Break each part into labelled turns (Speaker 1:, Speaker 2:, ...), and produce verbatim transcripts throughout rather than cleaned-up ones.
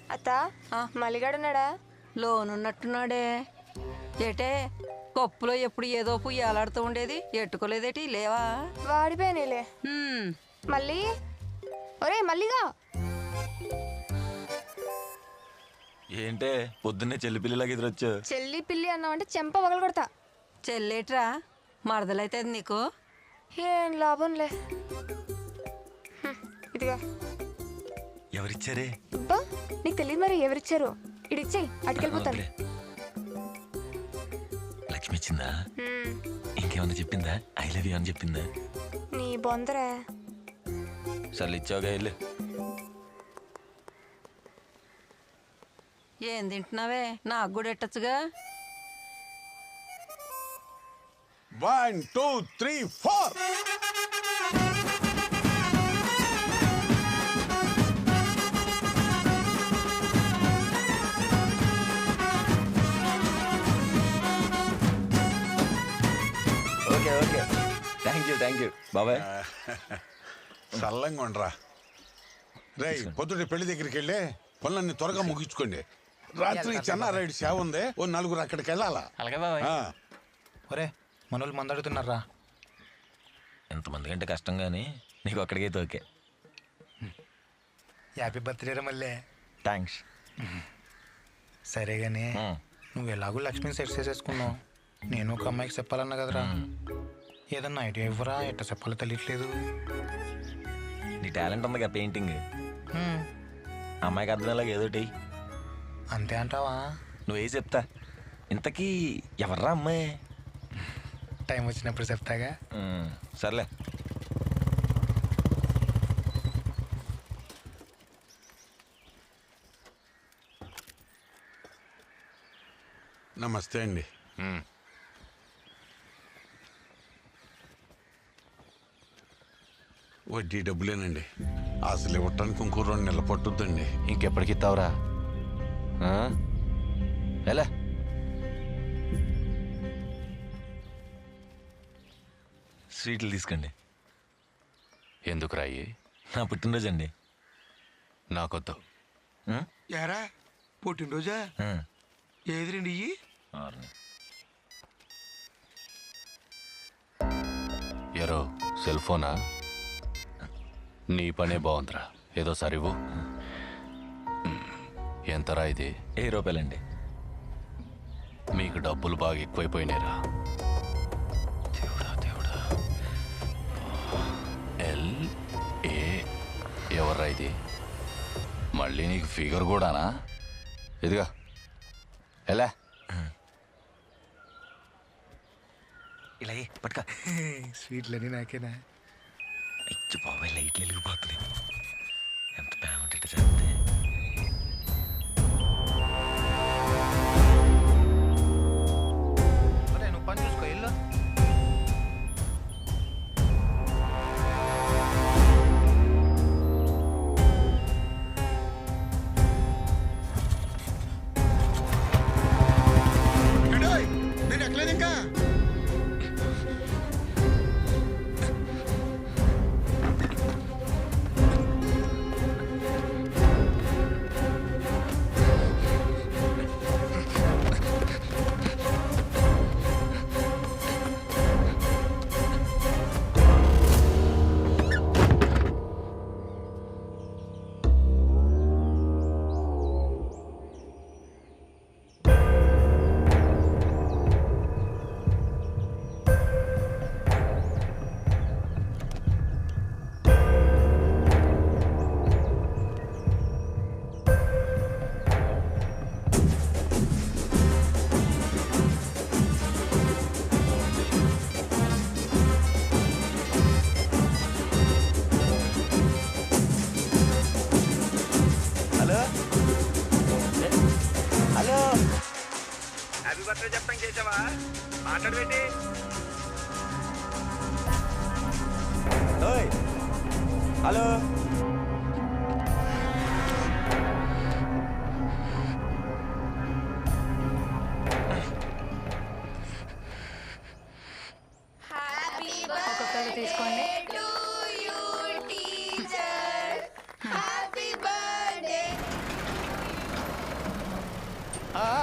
Speaker 1: అత్త మల్లిగాడున్నాడా?
Speaker 2: లోనున్నట్టున్నాడే. ఏటే కప్పులో ఎప్పుడు ఏదో పువ్వు ఏలాడుతూ ఉండేది, ఎట్టుకోలేదేటి? లేవా?
Speaker 1: వాడిపోయానేలే. మళ్ళీ ఒరే మల్లిగా,
Speaker 3: ఏంటే పొద్దున్నే చెల్లి పిల్లిలాగా ఎదురొచ్చు?
Speaker 1: చెల్లి పిల్లి అన్నావంటే చెంప పగలు కొడతా.
Speaker 2: చెల్లేట్రా మరదలైతే నీకు?
Speaker 1: ఏం లాభంలే. ఇదిగా.
Speaker 3: ఎవరిచ్చారే?
Speaker 1: అబ్బా నీకు తెలియదు మరి ఎవరిచ్చారు. ఇడిచ్చేయి, అటుకెళ్ళిపోతాను.
Speaker 3: లక్ష్మి ఇచ్చిందా? ఇంకేమన్నా చెప్పిందా? ఐ లవ్ యూ అని చెప్పిందా?
Speaker 1: నీ బొందరా.
Speaker 3: సర్లు ఇచ్చావుగా వెళ్ళు.
Speaker 2: ఏం తింటున్నావే? నాకు కూడా ఎట్టచ్చుగా.
Speaker 4: One two three four.
Speaker 3: Okay okay thank you thank you బాబాయ్.
Speaker 4: చల్లంగా ఉండరా. రే పొద్దుటి పెళ్లి దగ్గరికి వెళ్ళి పనులన్నీ త్వరగా ముగించుకోండి. రాత్రి చెన్నారాయుడు సేవ ఉంది, ఓ నలుగురు అక్కడికి వెళ్ళాలా.
Speaker 5: అలాగే బాబాయ్. ఒరే మనోళ్ళు మందడుతున్నారా?
Speaker 3: ఎంతమంది కంటే కష్టం కానీ నీకు అక్కడికైతే ఓకే.
Speaker 5: హ్యాపీ బర్త్డే రా మళ్ళీ.
Speaker 3: థ్యాంక్స్.
Speaker 5: సరే కానీ నువ్వు ఎలాగో లక్ష్మిని సెట్ చేసేసుకున్నావు, నేను ఒక అమ్మాయికి చెప్పాలన్నా కదరా. ఏదన్నా ఐడియా ఇవ్వరా, ఎట్ట చెప్పాలో తెలియట్లేదు.
Speaker 3: నీ టాలెంట్ ఉందిగా పెయింటింగ్, అమ్మాయికి అర్థమయ్యేలాగా ఏదోటి.
Speaker 5: అంతే అంటావా?
Speaker 3: నువ్వే చెప్తా. ఇంతకీ ఎవర్రా అమ్మాయి?
Speaker 5: టైం వచ్చినప్పుడు చెప్తాగా.
Speaker 3: సర్లే.
Speaker 4: నమస్తే అండి. వడ్డీ డబ్బులేనండి, అసలు ఇవ్వటానికి ఇంకో రెండు నెలలు పట్టుద్దండి.
Speaker 3: ఇంకెప్పటికి ఇస్తావురా? ఎలా? స్వీట్లు తీసుకోండి.
Speaker 6: ఎందుకు రాయి?
Speaker 3: నా పుట్టినరోజు అండి.
Speaker 6: నాకొద్దు.
Speaker 7: యారా పుట్టినరోజా? ఏది రండి ఇయ్యి.
Speaker 6: ఎరో సెల్ ఫోనా? నీ పనే బాగుందిరా, ఏదో సరివు. ఎంతరా ఇది?
Speaker 3: ఏ రూపాయలండి.
Speaker 6: మీకు డబ్బులు బాగా ఎక్కువైపోయినాయిరా. దేవుడా దేవుడా. ఎల్ ఏ ఎవర్రా ఇది? మళ్ళీ నీకు ఫిగర్ కూడానా? ఇదిగా ఎలా?
Speaker 3: ఇలా పట్టుక.
Speaker 5: స్వీట్లని నాకేనా?
Speaker 3: ఇచ్చి బాబాయ్ లైట్లు వెలిగిపోతుంది. ఎంత బాగుంటే చేస్తే.
Speaker 5: నువ్వు పని చూసుకో ఇల్లు.
Speaker 7: నేను ఎక్కలేదు ఇంకా.
Speaker 8: బర్త్డే చెప్పడం చేసావా? మాట్లాడు పెట్టి.
Speaker 3: హలో
Speaker 1: ఒక్కొక్కరు తీసుకోండి.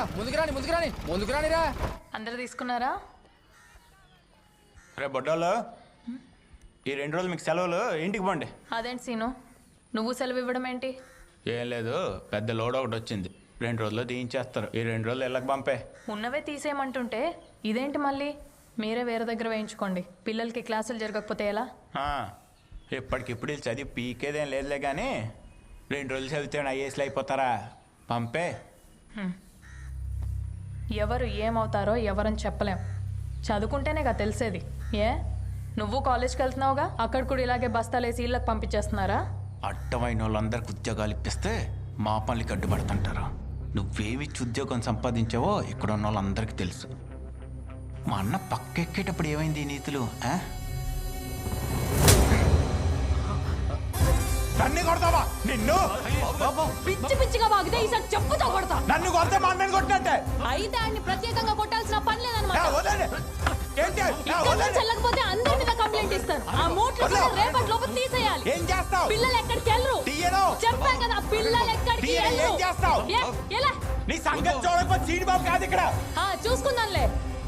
Speaker 9: ముందుకు రాని ముందుకు రాని ముందుకు రానిరా.
Speaker 10: అందరు తీసుకున్నారా?
Speaker 5: రే బొడ్డోళ్ళు, ఈ రెండు రోజులు మీకు సెలవులు, ఇంటికి పోండి.
Speaker 10: అదేంటి సీను, నువ్వు సెలవు ఇవ్వడం ఏంటి?
Speaker 5: ఏం లేదు, పెద్ద లోడ్ ఒకటి వచ్చింది, రెండు రోజుల్లో తీయించేస్తారు. ఈ రెండు రోజులు ఇళ్ళకి పంపే.
Speaker 10: ఉన్నవే తీసేయమంటుంటే ఇదేంటి మళ్ళీ? మీరే వేరే దగ్గర వేయించుకోండి. పిల్లలకి క్లాసులు జరగకపోతే ఎలా?
Speaker 5: ఆ, ఇప్పటికిప్పుడు వీళ్ళు చదివి పీకేదేం లేదులే కానీ రెండు రోజులు చదివితే ఐఏఎస్లు అయిపోతారా? పంపే.
Speaker 10: ఎవరు ఏమవుతారో ఎవరని చెప్పలేం. చదువుకుంటేనేగా తెలిసేది. ఏ నువ్వు కాలేజ్కి వెళ్తున్నావుగా, అక్కడ కూడా ఇలాగే బస్తాలేసి ఇళ్ళకి పంపించేస్తున్నారా?
Speaker 5: అడ్డమైన వాళ్ళందరికి ఉద్యోగాలు ఇప్పిస్తే మా పనులకి అడ్డుపడుతుంటారు. నువ్వేమిచ్చి ఉద్యోగం సంపాదించావో ఇక్కడ ఉన్న వాళ్ళందరికీ తెలుసు. మా అన్న పక్కెక్కేటప్పుడు ఏమైంది ఈ నీతులు? నన్ను కొడతావా? నిన్ను
Speaker 10: పిచ్చి పిచ్చిగా వాగితే ఈసారి చెప్పుతో కొడతా.
Speaker 5: నన్ను కొడితే మా అన్నని కొట్టినట్టే.
Speaker 10: అయితే ఆయన్ని ప్రత్యేకంగా కొట్టాల్సిన పని లేదన్నమాట.
Speaker 5: ఏంటి?
Speaker 10: చెల్లకపోతే అందరి మీద కంప్లైంట్ ఇస్తారు. ఆ మూట్లు కూడా రేపటి లోపు తీసేయాలి.
Speaker 5: ఏం చేస్తావు?
Speaker 10: పిల్లలు ఎక్కడికి వెళ్ళరు.
Speaker 5: తీయను.
Speaker 10: చెప్పా కదా, పిల్లలు ఎక్కడికి వెళ్ళరు.
Speaker 5: ఏం చేస్తావు?
Speaker 10: ఎలా?
Speaker 5: నీ సంగతి చూడకపోతే సీడి బాబు కాదు ఇక్కడ.
Speaker 10: చూసుకుందాంలే.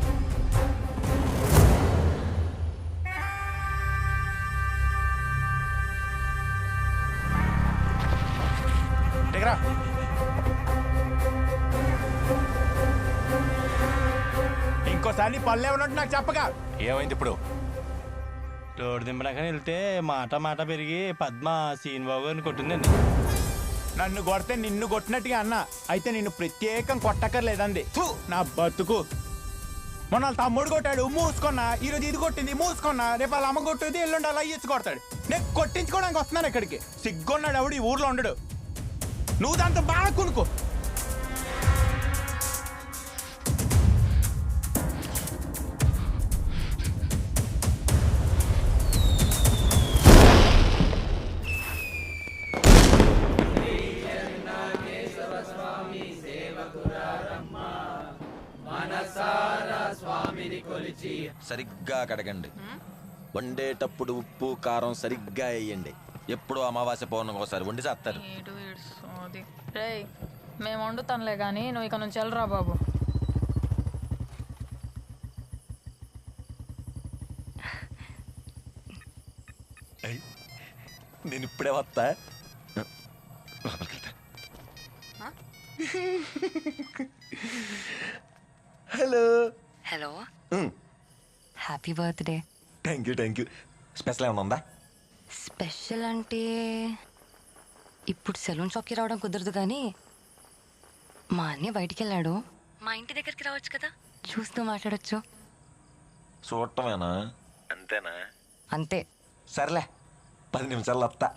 Speaker 5: ఇంకోసారి పల్లె ఉన్నట్టు నాకు చెప్పగా.
Speaker 6: ఏమైంది ఇప్పుడు?
Speaker 11: రోడ్డు దింపడాకని వెళ్తే మాట మాట పెరిగి పద్మ సీనిబాబు గారిని కొట్టిందండి.
Speaker 5: నన్ను కొడితే నిన్ను కొట్టినట్టుగా అన్న, అయితే నిన్ను ప్రత్యేకం కొట్టక్కర్లేదండి. ఫు, నా బతుకు. మొన్న వాళ్ళ తమ్ముడు కొట్టాడు, మూసుకున్నా. ఈరోజు ఇది కొట్టింది, మూసుకున్నా. రేపు వాళ్ళ అమ్మ కొట్టేది, ఎల్లుండి అలా ఇచ్చి కొడతాడు. నేను కొట్టించుకోవడానికి వస్తున్నాను ఇక్కడికి. సిగ్గున్నాడు ఎవడు ఈ ఊర్లో ఉండడు. నువ్వు దాంతో బాగా కొనుక్కో.
Speaker 3: సరిగ్గా కడగండి. వండేటప్పుడు ఉప్పు కారం సరిగ్గా వేయండి. ఎప్పుడు అమావాస్య పౌర్ణమికి ఒకసారి వండి చేస్తారు.
Speaker 10: రేయ్, మేము వండుతానులే కానీ నువ్వు ఇక నుంచి వెళ్ళరా బాబు.
Speaker 3: నేను ఇప్పుడే వస్తా. Hello
Speaker 12: hello, happy birthday.
Speaker 3: Thank you thank you. Special ఏమైనా ఉందా?
Speaker 12: స్పెషల్ అంటే ఇప్పుడు సెలూన్ షాప్కి రావడం కుదరదు కానీ మా అన్నయ్య బయటికి వెళ్ళాడు. మా ఇంటి దగ్గరికి రావచ్చు కదా, చూస్తూ మాట్లాడచ్చు.
Speaker 3: చూడటమేనా? అంతేనా?
Speaker 12: అంతే.
Speaker 3: సర్లే, పది నిమిషాలు వస్తా.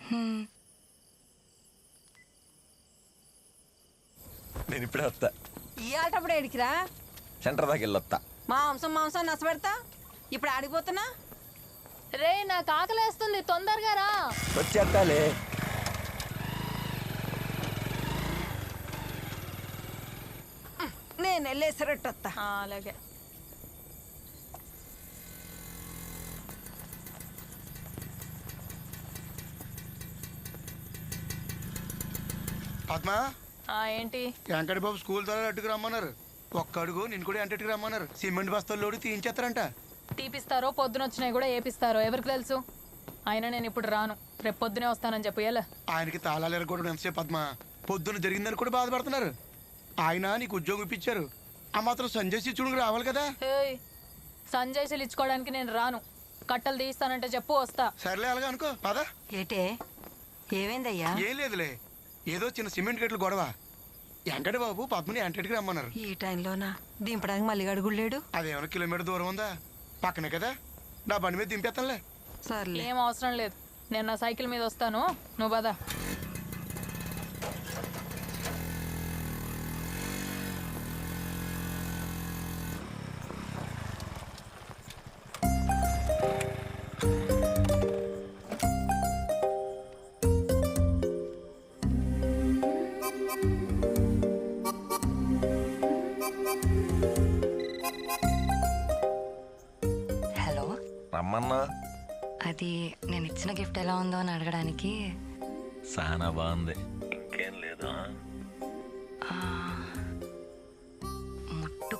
Speaker 3: నేను ఇప్పుడే వస్తా.
Speaker 2: ఈ ఆటప్పుడు ఏడికిరా?
Speaker 3: సెంటర్ దాకా వెళ్ళొస్తా.
Speaker 2: మాంసం మాంసం నచ్చబెడతా. ఇప్పుడు ఆడిపోతున్నా.
Speaker 10: రే, నాకు ఆకలేస్తుంది, తొందరగా రా.
Speaker 3: వచ్చేస్తాలే.
Speaker 2: నేను వెళ్ళేసరట్టు వస్తా.
Speaker 10: అలాగే.
Speaker 7: పద్మ,
Speaker 10: ఏంటి?
Speaker 7: వెంకట బాబు స్కూల్ ద్వారా అట్టుకు రమ్మన్నారు. ఒక్క అడుగు నిన్ను కూడా ఎంటకి రమ్మన్నారు. సిమెంట్ బస్తాలు లోడి తీయించేస్తారంట.
Speaker 10: తీపిస్తారో పొద్దున వచ్చినాయి కూడా ఏపిస్తారో ఎవరికి తెలుసు. అయినా నేను ఇప్పుడు రాను, రేపు పొద్దునే వస్తానని చెప్పు. ఎలా?
Speaker 7: ఆయనకి తాళాలు ఎరగొట్టడం ఎంతసేపు పద్మ. పొద్దున జరిగిందని కూడా బాధపడుతున్నారు. ఆయన నీకు ఉద్యోగం ఇప్పించారు, ఆ మాత్రం సంజయ్ శిష్యుడికి రావాలి కదా.
Speaker 10: సంజయ్ శీలు ఇచ్చుకోవడానికి నేను రాను. కట్టలు తీస్తానంటే చెప్పు, వస్తా.
Speaker 7: సర్లే అలాగా అనుకో, పదా.
Speaker 2: ఏటే ఏమైందయ్యా?
Speaker 7: ఏం లేదులే, ఏదో చిన్న సిమెంట్ గట్లు గొడవ. వెంకట బాబు పద్మని ఎంటకి రమ్మన్నారు.
Speaker 2: ఈ టైంలోనా దింపడానికి మళ్ళీ అడుగులేడు?
Speaker 7: అదేమైనా కిలోమీటర్ దూరం ఉందా? పక్కనే కదా, నా బండి మీద దింపేస్తానులే.
Speaker 2: సర్లే,
Speaker 10: ఏం అవసరం లేదు. నేను నా సైకిల్ మీద వస్తాను, నువ్వు పదా.
Speaker 12: హలో,
Speaker 3: రమ్మన్నా.
Speaker 12: అది నేను ఇచ్చిన గిఫ్ట్ ఎలా ఉందో అని అడగడానికి.
Speaker 3: చాలా బాగుంది. ఇంకేం లేదా?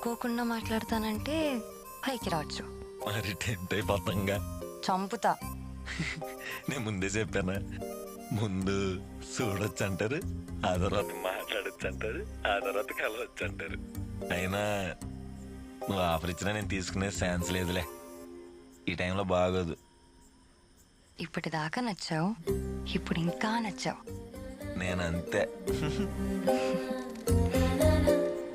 Speaker 12: అనుకోకుండా మాట్లాడతానంటే పైకి రావచ్చు.
Speaker 3: మరి టెంట్ అయిపోతాంగా.
Speaker 12: చంపుతా.
Speaker 3: నేను ముందే చెప్పానా, ముందు చూడొచ్చు అంటారు, ఆ తర్వాత మాట్లాడొచ్చు అంటారు, ఆ తర్వాత కలవచ్చు అంటారు. అయినా నువ్వు ఆఫర్ ఇచ్చినా నేను తీసుకునే ఛాన్స్ లేదులే, ఈ టైంలో బాగోదు.
Speaker 12: ఇప్పటిదాకా నచ్చావు, ఇప్పుడు ఇంకా నచ్చావు.
Speaker 3: నేను అంతే.